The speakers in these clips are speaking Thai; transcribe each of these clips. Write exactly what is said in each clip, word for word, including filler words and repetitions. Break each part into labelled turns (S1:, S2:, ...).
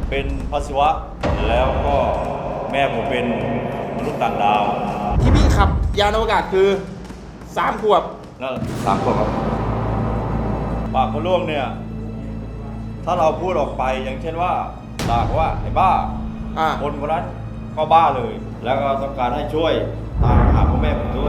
S1: เป็นพระศิวะแล้วก็แม่ผมเป็นมนุษย์ต่างดาว
S2: ที่พี่ขับยานอวกาศคือสามขวบ
S1: นั่นสามคนครับปากพระล่วงเนี่ยถ้าเราพูดออกไปอย่างเช่นว่าด่าเขาว่าไอ้บ้า
S2: อ่า
S1: คนคนนั้นก็บ้าเลย แล้วก็ต้องการให้ช่วยตามหาพ่อแม่ผมด้วย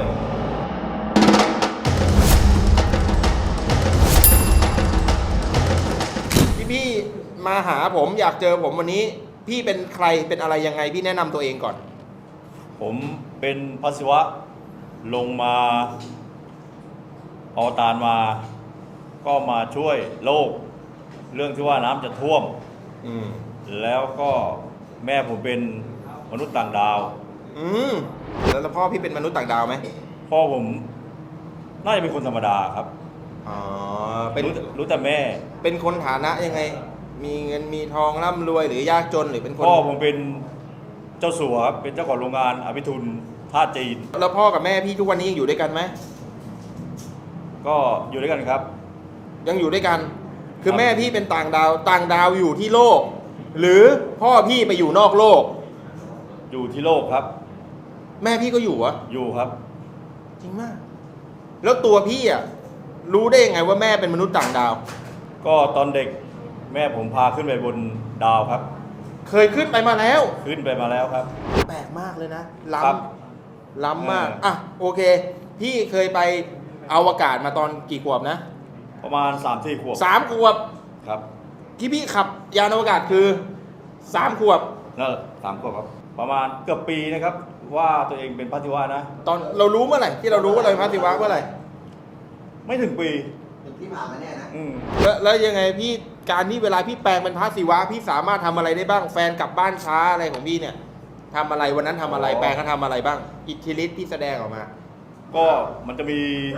S2: พี่พี่มาหาผมอยากเจอผมวันนี้ พี่เป็นใครเป็นอะไรยังไงพี่แนะนำตัวเองก่อน
S1: ผมเป็นพระศิวะลงมาอวตารมา ก็มาช่วยโลก เรื่องที่ว่าน้ำจะท่วม
S2: อืม
S1: แล้วก็แม่ผมเป็นมนุษย์ต่างดาว
S2: อืมแล้วแล้วพ่อพี่เป็นมนุษย์ต่างดาวไหม
S1: พ่อผมน่าจะเป็นคนธรรมดาครับ
S2: อ๋อเป็น
S1: รู้รู้แต่แม่
S2: เป็นคนฐานะยังไง มีเงินมีทองร่ำรวยหรือยากจนหรือเป็นคน
S1: พ่อผมเป็นเจ้าสัวครับเป็นเจ้าของโรงงานอภิทุนท่าจีน
S2: แล้วพ่อกับแม่พี่ทุกวันนี้ยังอยู่ด้วยกันไหม
S1: ก็อยู่ด้วยกันครับ
S2: ยังอยู่ด้วยกัน คือ
S1: ครับ
S2: แม่พี่เป็นต่างดาวต่างดาวอยู่ที่โลก หรือพ่อพี่ไปอยู่นอกโลก
S1: อยู่ที่โลกครับ
S2: แม่พี่ก็อยู่เหรอะ
S1: อยู่ครับ
S2: จริงมาก แล้วตัวพี่อ่ะรู้ได้ยังไงว่าแม่เป็นมนุษย์ต่างดาว
S1: ก็ตอนเด็กแม่ผมพาขึ้นไปบนดาวครับ
S2: เคยขึ้นไปมาแล้ว
S1: ขึ้นไปมาแล้วครับ
S2: แปลกมากเลยนะ ล้
S1: ครับ
S2: ำล้ำมาก
S1: เอออ่
S2: อ่ะโอเค พี่เคยไปอวกาศมาตอนกี่ขวบนะ
S1: ประมาณสามสี่ขวบ
S2: สามขวบ
S1: ครับ
S2: ที่พี่ขับยานอวกาศคือสามขวบ
S1: นั่นสามขวบครับ ประมาณเกือบปีนะครับ ว่าตัวเองเป็นพระศิวะนะ
S2: ตอนเรารู้เมื่อไหร่ที่เรารู้ว่าเราเป็นพระศิวะเมื่อไหร่
S1: ไม่ถึงปี
S3: เป็นที่ผ่านมาเนี่ยนะ
S1: อืม
S2: แล้วแล้วยังไงพี่การที่เวลาพี่แปลงเป็นพระศิวะพี่สามารถทำอะไรได้บ้างแฟนกลับบ้านช้าอะไรของพี่เนี่ยทำอะไรวันนั้นทำอะไร
S1: อ๋อ
S2: แปลงเขาทำอะไรบ้าง อิทธิฤทธิ์ที่แสดงออกมา
S1: ก็มันจะมี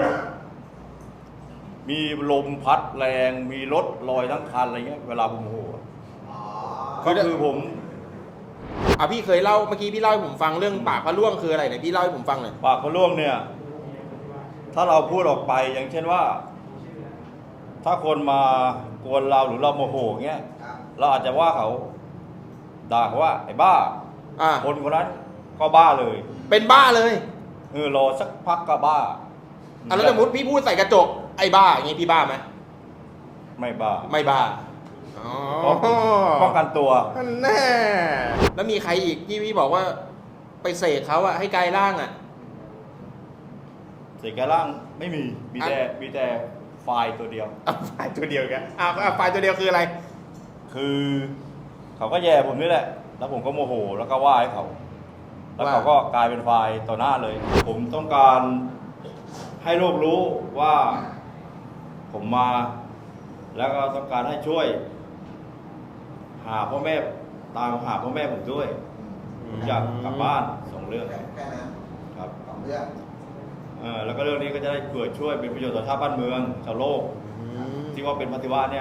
S1: มีลมพัดแรง มีรถลอยทั้งคันอะไรเงี้ย เวลาผมโมโห
S3: อ๋อ
S1: ก็คือผม
S2: อ่ะพี่เคยเล่าเมื่อกี้พี่เล่าให้ผมฟังเรื่องปากพระร่วงคืออะไรเนี่ยพี่เล่าให้ผมฟังหน่อย
S1: ปากพระล่วงเนี่ย ถ้าเราพูดออกไปอย่างเช่นว่า ถ้าคนมากวนเราหรือเราโมโหเงี้ย
S3: ครับ
S1: เราอาจจะว่าเขาด่าเขาว่าไอ้บ้า
S2: อ่ะ
S1: คนคนนั้นก็บ้าเลย
S2: เป็นบ้าเลย
S1: เออรอสักพักก็บ้า
S2: อ่ะแล้วสมมติพี่พูดใส่กระจกไอ้บ้าอย่างงี้พี่บ้าไหม
S1: ไม่บ้า
S2: ไม่บ้าอ๋อ
S1: ป้องกันตัว
S2: นั่นแน่แล้วมีใครอีกที่พี่บอกว่า ไปเสกเขาอะให้กลายร่างอะ
S1: เสียแกร่างไม่มีมีแต่มีแต่ไฟล์ตัวเดียว
S2: เอาไฟล์ตัวเดียวกันอ่ะอ่ะไฟล์ตัวเดียวคืออะไร
S1: คือเขาก็แย่ผมนี่แหละ แล้วผมก็โมโหแล้วก็ว่าให้เขา แล้วเขาก็กลายเป็นไฟล์ต่อหน้าเลย ผมต้องการให้โลกรู้ว่าผมมา แล้วก็ต้องการให้ช่วย หาพ่อแม่ตามหาพ่อแม่ผมด้วยผมอยากกลับบ้านสองเรื่อง
S3: แค่แค่นั้น
S1: ครับ
S3: สองเรื่อง
S1: เออแล้วก็เรื่องนี้ก็จะได้เกิดช่วยเป็นประโยชน์ต่อชาติบ้านเมืองชาวโลก ที่ว่าเป็นปฏิวัติเนี่ย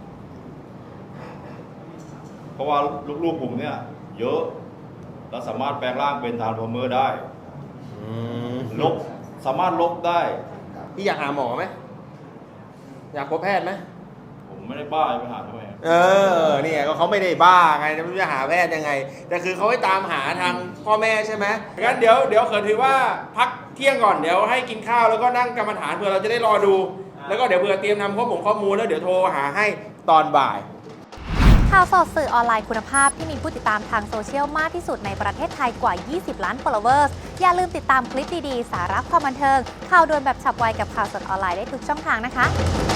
S1: เพราะว่าลูกๆผมเนี่ย เยอะ แล้วสามารถแปลงร่างเป็นทานพอมเมอร์ได้ ลบ สามารถลบได้
S2: พี่อยากหาหมอไหมอยากพบแพทย์ไหม
S1: ผมไม่ได้บ้าไปหาทำไมครับ
S2: เออเนี่ยก็เขาไม่ได้บ้าไงจะไม่รู้จะหาแพทย์ยังไง แต่คือเขาให้ตามหาทางพ่อแม่ใช่ไหมงั้นเดี๋ยวเดี๋ยวเขินถือว่าพักเที่ยงก่อนเดี๋ยวให้กินข้าวแล้วก็นั่งกรรมฐานเผื่อเราจะได้รอดู แล้วก็เดี๋ยวเผื่อเตรียมนำข้อมูลข้อมูลแล้วเดี๋ยวโทรหาให้ตอนบ่าย
S4: ข่าวสดสื่อออนไลน์คุณภาพที่มีผู้ติดตามทางโซเชียลมากที่สุดในประเทศไทยกว่า ยี่สิบ ล้าน followers อย่าลืมติดตามคลิปดี ๆ สาระความบันเทิง ข่าวด่วนแบบฉับไวกับข่าวสดออนไลน์ได้ทุกช่องทางนะคะ